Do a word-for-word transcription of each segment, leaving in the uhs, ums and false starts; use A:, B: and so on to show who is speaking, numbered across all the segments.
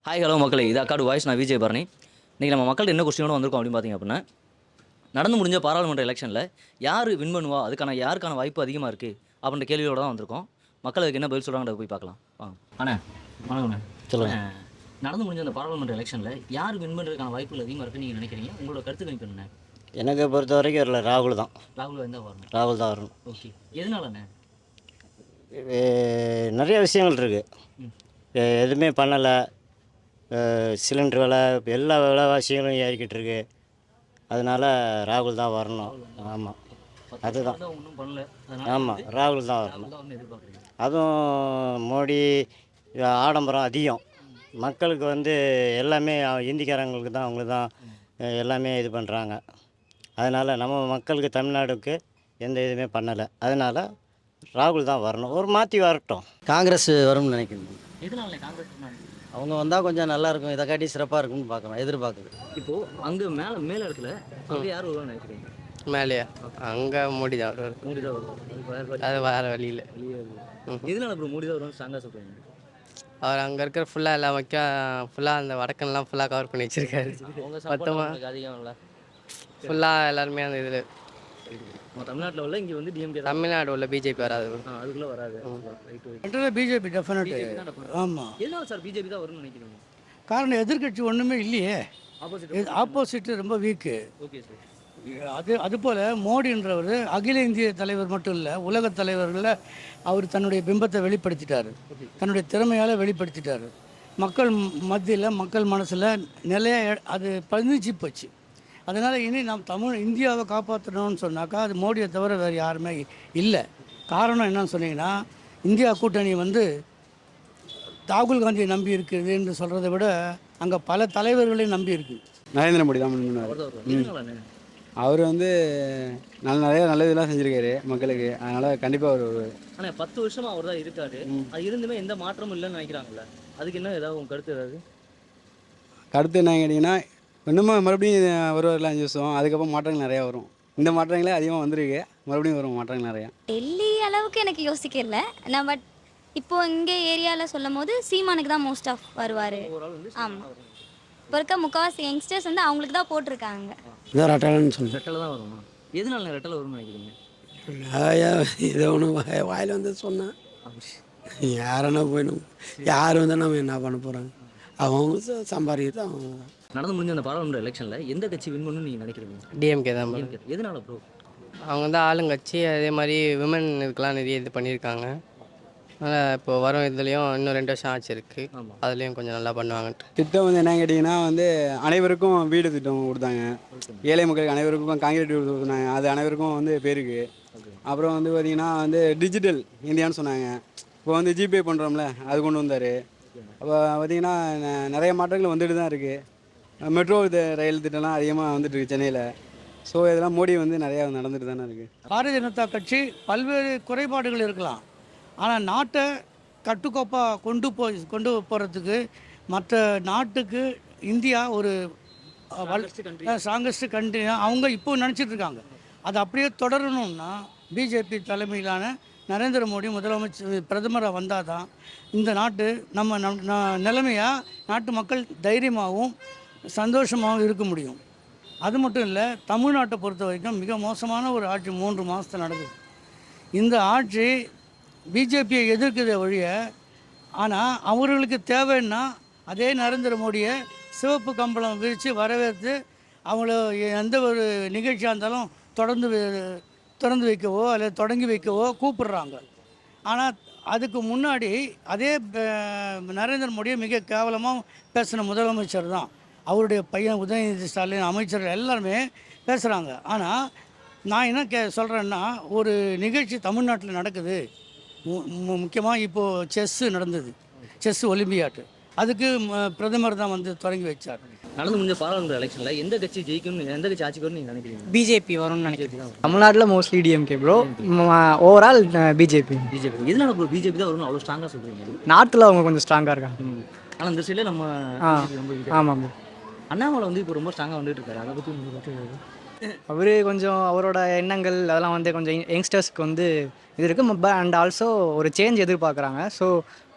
A: Hi hello மக்களே, இது அக்காடு voice. நான் விஜய் பரணி. இன்றைக்கி நம்ம மக்கள் என்ன கொஸ்டினோட வந்திருக்கோம் அப்படின்னு பார்த்தீங்க அப்படின்னா, நடந்து முடிஞ்ச பாராளுமன்ற எலெக்ஷனில் யார் வின் பண்ணுவா, அதுக்கான யாருக்கான வாய்ப்பு அதிகமாக இருக்குது அப்படின்ற கேள்வியோட தான் வந்திருக்கோம். மக்கள் அதுக்கு என்ன பதில் சொல்கிறாங்கன்றத போய் பார்க்கலாம் வாங்க. அண்ணே வணக்கண்ணே, சொல்லுங்கள். நடந்து முடிஞ்ச அந்த பாராளுமன்ற எலெக்ஷனில் யார் வின் பண்ணுறதுக்கான வாய்ப்புகள் அதிகமாக இருக்குன்னு நீங்கள் நினைக்கிறீங்க? உங்களோட கருத்து கணிப்பு என்ன?
B: எனக்கு பொறுத்த வரைக்கும் இல்லை, ராகுல் தான்.
A: ராகுல் எந்த வரணும்?
B: ராகுல் தான் வரணும்.
A: ஓகே, எதனாலண்ணே?
B: நிறைய விஷயங்கள் இருக்குது. எதுவுமே பண்ணலை, சிலிண்டர் விலை, எல்லா விலைவாசிகளும் ஏறிக்கிட்டு இருக்கு. அதனால் ராகுல் தான் வரணும். ஆமாம், அதுதான்.
A: ஒன்றும் பண்ணல.
B: ஆமாம், ராகுல் தான் வரணும். அதுவும் மோடி ஆடம்பரம் அதிகம். மக்களுக்கு வந்து எல்லாமே இந்திக்காரங்களுக்கு தான், அவங்களுக்கு தான் எல்லாமே இது பண்ணுறாங்க. அதனால் நம்ம மக்களுக்கு தமிழ்நாடுக்கு எந்த இதுவுமே பண்ணலை. அதனால் ராகுல் தான் வரணும். ஒரு மாற்றி வரட்டும்.
C: காங்கிரஸ் வரும்னு நினைக்கிறேன்.
A: எதனால காங்கிரஸ்?
C: அவங்க வந்தால் கொஞ்சம் நல்லாயிருக்கும், இதை காட்டி சிறப்பாக இருக்கும்னு பார்க்குறோம், எதிர்பார்க்குது.
A: இப்போது அங்கே மேலே மேலே இடத்துல அங்கே யார் வருவான்னு நினைக்கிறீங்க?
D: மேலேயா? அங்கே மோடி தான் வருவார்.
A: மோடி தான் வருவார்.
D: அது வேறு வழியில்.
A: எதனால அப்புறம் மோடி தான் வருவான்னு ஸ்ட்ராங்காக சொல்கிறீங்க?
D: அவர் அங்கே இருக்கிற ஃபுல்லாக எல்லாம் வைக்க ஃபுல்லாக அந்த வடக்கன்லாம் ஃபுல்லாக கவர் பண்ணி வச்சுருக்காரு. மொத்தமாக
A: அதிகம் இல்லை,
D: ஃபுல்லாக எல்லாருமே அந்த இதில்
A: தமிழ்நாட்டில் உள்ள இங்கே வந்து டிஎம்கே.
D: தமிழ்நாடு உள்ள பிஜேபி வராது,
A: அதுக்குள்ளே வராது.
E: BJP definite. ஆமாம்.
A: எதனால சார் பிஜேபி தான் வரும்னு நினைக்கிறீங்க?
E: காரணம் எதிர்கட்சி ஒன்றுமே இல்லையே,
A: ஆப்போசிட்
E: ஆப்போசிட் ரொம்ப வீக்கு.
A: Okay sir.
E: அது அதுபோல் மோடின்றவர் அகில இந்திய தலைவர் மட்டும் இல்லை, உலக தலைவர்களில் அவர் தன்னுடைய பிம்பத்தை வெளிப்படுத்திட்டார், தன்னுடைய திறமையால் வெளிப்படுத்திட்டார். மக்கள் மத்தியில், மக்கள் மனசில் நிலைய அது பதிஞ்சு போச்சு. அதனால் இனி நாம் தமிழ் இந்தியாவை காப்பாற்றணும்னு சொன்னாக்கா அது மோடியை தவிர வேறு யாருமே இல்லை. காரணம் என்னன்னு சொன்னீங்கன்னா, இந்தியா கூட்டணி வந்து ராகுல் காந்தியை நம்பி இருக்குது என்று சொல்கிறத விட அங்கே பல தலைவர்களையும் நம்பி இருக்குது.
F: நரேந்திர மோடி தான் முன்னாடி. அவர் வந்து நல்ல நிறைய நல்ல இதெல்லாம் செஞ்சுருக்காரு மக்களுக்கு. அதனால் கண்டிப்பாக அவர்.
A: ஆனால் பத்து வருஷமாக அவர் தான் இருக்காரு, அது இருந்துமே எந்த மாற்றமும் இல்லைன்னு நினைக்கிறாங்களே, அதுக்கு என்ன ஏதாவது உங்கள் கருத்து? ஏதாவது
F: கருத்து என்ன கேட்டிங்கன்னா, இன்னமும் மறுபடியும் வருவார்ல அஞ்சு வருஷம், அதுக்கப்புறம் மாற்றங்கள் நிறையா வரும். இந்த மாற்றங்களே அதிகமாக வந்திருக்கு, மறுபடியும் வரும் மாற்றங்கள் நிறையா.
G: டெல்லி அளவுக்கு எனக்கு யோசிக்கல நான், பட் இப்போது இங்கே ஏரியாவில் சொல்லும் போது சீமானுக்கு தான் மோஸ்ட் ஆஃப் வருவார். ஆமாம், இப்போ இருக்க முக்கால்வாசி யங்ஸ்டர்ஸ் வந்து அவங்களுக்கு தான் போட்டிருக்காங்க.
E: இதான் ரெட்டலைன்னு சொல்லி
A: ரெட்டலை தான் வருமா? எதனால ரெட்டலை வரும்னு நினைக்கிறீங்க?
E: இதை ஒன்று வாயில் வந்து சொன்னேன், யாருன்னா போயிடும், யார் வந்து நம்ம என்ன பண்ண போகிறாங்க, அவங்க சம்பாதிக்கிறது அவங்க.
A: நடந்து முடிஞ்ச அந்த பாராளுமன்ற எலெக்ஷனில் எந்த கட்சி வின் பண்ணணும்னு நீங்கள் நினைக்கிறீங்க?
D: டிஎம்கே தான்.
A: எதனால ப்ரோ?
D: அவங்க வந்து ஆளுங்கட்சி, அதே மாதிரி விமன் இதுக்கெலாம் நிறைய இது பண்ணியிருக்காங்க. அதனால் இப்போ வரும் இதுலேயும் இன்னும் ரெண்டு வருஷம் ஆச்சு இருக்குது, அதுலேயும் கொஞ்சம் நல்லா பண்ணுவாங்கன்ட்டு.
F: திட்டம் வந்து என்ன கேட்டிங்கன்னா வந்து அனைவருக்கும் வீடு திட்டம் கொடுத்தாங்க. ஏழை மக்களுக்கு அனைவருக்கும் காங்கிரீட் வீடு கொடுத்தாங்க, அது அனைவருக்கும் வந்து பேருக்கு. அப்புறம் வந்து பார்த்திங்கன்னா வந்து டிஜிட்டல் இந்தியான்னு சொன்னாங்க. இப்போ வந்து ஜிபே பண்ணுறோம்ல, அது கொண்டு வந்தார். அப்போ பார்த்திங்கன்னா நிறைய மாற்றங்கள் வந்துட்டு தான் இருக்குது. மெட்ரோ இது ரயில் திட்டம்லாம் அதிகமாக வந்துட்டு இருக்குது சென்னையில். ஸோ இதெல்லாம் மோடி வந்து நிறையா நடந்துட்டு தானே இருக்குது.
E: பாரதிய ஜனதா கட்சி பல்வேறு குறைபாடுகள் இருக்கலாம், ஆனால் நாட்டை கட்டுக்கோப்பாக கொண்டு போய் கொண்டு போகிறதுக்கு மற்ற நாட்டுக்கு இந்தியா ஒரு ஸ்ட்ராங்கஸ்ட் கண்ட்ரி அவங்க இப்போ நினச்சிட்டு இருக்காங்க. அது அப்படியே தொடரணும்னா பிஜேபி தலைமையிலான நரேந்திர மோடி முதலமைச்சர் பிரதமராக வந்தால் தான் இந்த நாட்டு நம்ம நம் நிலைமையாக நாட்டு மக்கள் தைரியமாகவும் சந்தோஷமாகவும் இருக்க முடியும். அது மட்டும் இல்லை, தமிழ்நாட்டை பொறுத்த வரைக்கும் மிக மோசமான ஒரு ஆட்சி மூன்று மாதத்தில் நடக்குது. இந்த ஆட்சி பிஜேபியை எதிர்க்கிறத வழிய, ஆனால் அவர்களுக்கு தேவைன்னா அதே நரேந்திர மோடியை சிவப்பு கம்பளம் விரித்து வரவேற்று அவங்கள எந்த ஒரு நிகழ்ச்சியாக இருந்தாலும் தொடர்ந்து திறந்து வைக்கவோ அல்லது தொடங்கி வைக்கவோ கூப்பிடுறாங்க. ஆனால் அதுக்கு முன்னாடி அதே நரேந்திர மோடியை மிக கேவலமாக பேசின முதலமைச்சர் தான் அவருடைய பையன் உதயநிதி ஸ்டாலின், அமைச்சர்கள் எல்லாருமே பேசுகிறாங்க. ஆனால் நான் என்ன கே சொல்கிறேன்னா, ஒரு நிகழ்ச்சி தமிழ்நாட்டில் நடக்குது, முக்கியமாக இப்போது செஸ்ஸு நடந்தது, செஸ் ஒலிம்பியாட்டு, அதுக்கு பிரதமர் தான் வந்து தொடங்கி வச்சார்.
A: நடந்து முடிஞ்ச பாராளுமன்ற எலெக்ஷனில் எந்த கட்சி ஜெயிக்கும், எந்த கட்சி ஆட்சிக்கு வரும்னு நீங்கள் நினைக்கிறீங்க?
H: பிஜேபி வரும்னு நினைக்கிறேன். தமிழ்நாட்டில் mostly DMK bro, overall BJP.
A: BJP எதனால ப்ரோ பிஜேபி தான் வரும்னு அவ்வளோ ஸ்ட்ராங்காக சொல்கிறீங்க?
H: நார்த்தில் அவங்க கொஞ்சம் ஸ்ட்ராங்காக இருக்காங்க.
A: ஆனால் இந்த சைடில் நம்ம ரொம்ப.
H: ஆமாம் ப்ரோ.
A: அண்ணாமலை வந்து இப்போ ரொம்ப ஸ்ட்ராங்காக வந்துட்டு இருக்காரு, அதை பற்றி உங்களுக்கு?
H: அவர் கொஞ்சம் அவரோட எண்ணங்கள் அதெல்லாம் வந்து கொஞ்சம் யங்ஸ்டர்ஸ்க்கு வந்து இது இருக்குது, அண்ட் ஆல்சோ ஒரு சேஞ்ச் எதிர்பார்க்குறாங்க. ஸோ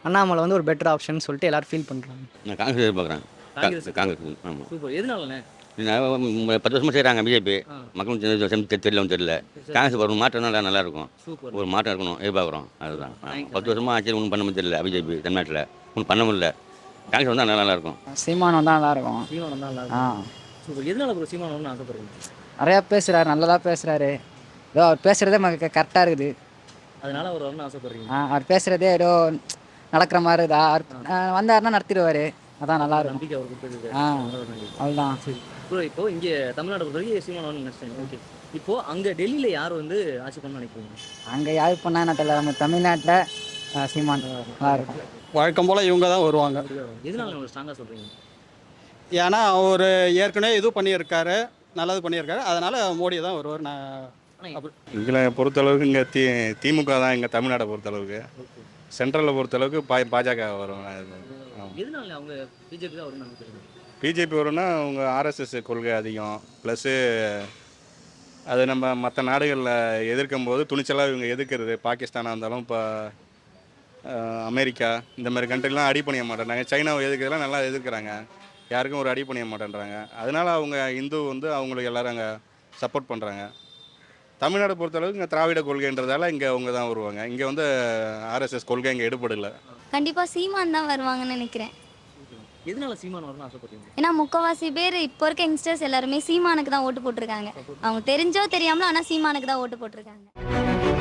H: அண்ணாமலை வந்து ஒரு பெட்டர் ஆப்ஷன் சொல்லிட்டு எல்லாரும் ஃபீல் பண்ணுறாங்க.
I: நான் காங்கிரஸ் எதிர்பார்க்குறேன்.
A: காங்கிரஸ்
I: காங்கிரஸ் ஆமாம்.
A: சூப்பர். எதனாலண்ணே?
I: பத்து வருஷமாக செய்கிறாங்க பிஜேபி.
A: ஆ.
I: மக்களும் தெரியல தெரியல. காங்கிரஸ் ஒரு மாற்றம் நல்லா நல்லா இருக்கும்.
A: சூப்பர்.
I: ஒரு மாற்றம் இருக்கணும் எதிர்பார்க்குறோம். அதுதான் ஆ.
A: Thank you.
I: பத்து வருஷமாக ஆட்சியில் ஒன்றும் பண்ண தெரியல பிஜேபி தமிழ்நாட்டில் ஒன்றும் பண்ண முடியல. காங்கிரஸ் வந்தால் நல்லா நல்லா இருக்கும்.
H: சீமான் வந்தால் நல்லாயிருக்கும்.
A: சீமான் தான் நல்லா
H: ஆ
A: இருக்கும். சூப்பர். எதனால ப்ரோ சீமான் வரணும்னு ஆசைப்படுறீங்க?
H: நிறையா பேசுகிறாரு, நல்லதாக பேசுகிறாரு. ஏதோ அவர் பேசுகிறதே நமக்கு கரெக்டாக இருக்குது.
A: அதனால அவர் வரணும்னு ஆசைப்படுறீங்க?
H: ஆ அவர் பேசுகிறதே ஏதோ நடக்கிற மாதிரி இருக்குதா, அவர் ஆ, வந்தாருன்னா நடத்திடுவார். அதான் நல்லா இருக்கும்.
A: நம்பிக்கை அவர் கொடுத்தது.
H: ஆ அவ்வளோதான்.
A: ப்ரோ இப்போ இங்கே தமிழ்நாடு பொறுத்த வரைக்கும் சீமான் வரணும்னு நினைச்சேன். ஓகே. இப்போ அங்கே டெல்லியில் யார் வந்து ஆட்சி பண்ணணும்னு நினைக்கிறீங்க?
H: அங்கே யார் பண்ணா என்ன தெரியல, நம்ம தமிழ்நாட்டில் சீமான் நல்லா இருக்கும்.
F: வழக்கம் போல் இவங்க தான் வருவாங்க.
A: எதனால உங்களுக்கு ஸ்ட்ராங்காக சொல்கிறீங்க?
F: ஏன்னா அவர் ஏற்கனவே இது பண்ணியிருக்காரு, நல்லது பண்ணியிருக்காரு. அதனால் மோடி தான் வருவார். நான்
J: எங்களை பொறுத்தளவுக்கு இங்கே தி திமுக தான் இங்கே தமிழ்நாட்டை பொறுத்தளவுக்கு. சென்ட்ரலில் பொறுத்தளவுக்கு பா பாஜக வரும்.
A: எதனால அவங்க பிஜேபி தான் வரும்னு நினைக்கிறீங்க?
J: பிஜேபி வரும்னா அவங்க ஆர்எஸ்எஸ் கொள்கை அதிகம். ப்ளஸ்ஸு அது நம்ம மற்ற நாடுகளில் எதிர்க்கும் போது துணிச்சலாக இவங்க எதிர்க்கிறது. பாகிஸ்தானாக இருந்தாலும் இப்போ அமெரிக்கா இந்த மாதிரி கண்ட்ரிலாம் அடி பண்ணிய மாட்டேன்றாங்க. சைனாவை எதிர்க்கிறதுலாம் நல்லா எதிர்க்கிறாங்க. யாருக்கும் ஒரு அடி பண்ணிய மாட்டேன்றாங்க. அதனால் அவங்க இந்து வந்து அவங்களுக்கு எல்லோரும் அங்கே சப்போர்ட் பண்ணுறாங்க. தமிழ்நாடு பொறுத்தளவுக்கு இங்கே திராவிட கொள்கைன்றதால இங்கே அவங்க தான் வருவாங்க. இங்கே வந்து ஆர்எஸ்எஸ் கொள்கை இங்கே எடுபடலை.
G: கண்டிப்பாக சீமான் தான் வருவாங்கன்னு நினைக்கிறேன்.
A: எதனால சீமான் வரணும்னு ஆசைப்படுறீங்க?
G: ஏன்னா முக்கால்வாசி பேர் இப்போ இருக்க யங்ஸ்டர்ஸ் எல்லாருமே சீமானுக்கு தான் ஓட்டு போட்டிருக்காங்க. அவங்க தெரிஞ்சோ தெரியாமலோ ஆனால் சீமானுக்கு தான் ஓட்டு போட்டிருக்காங்க.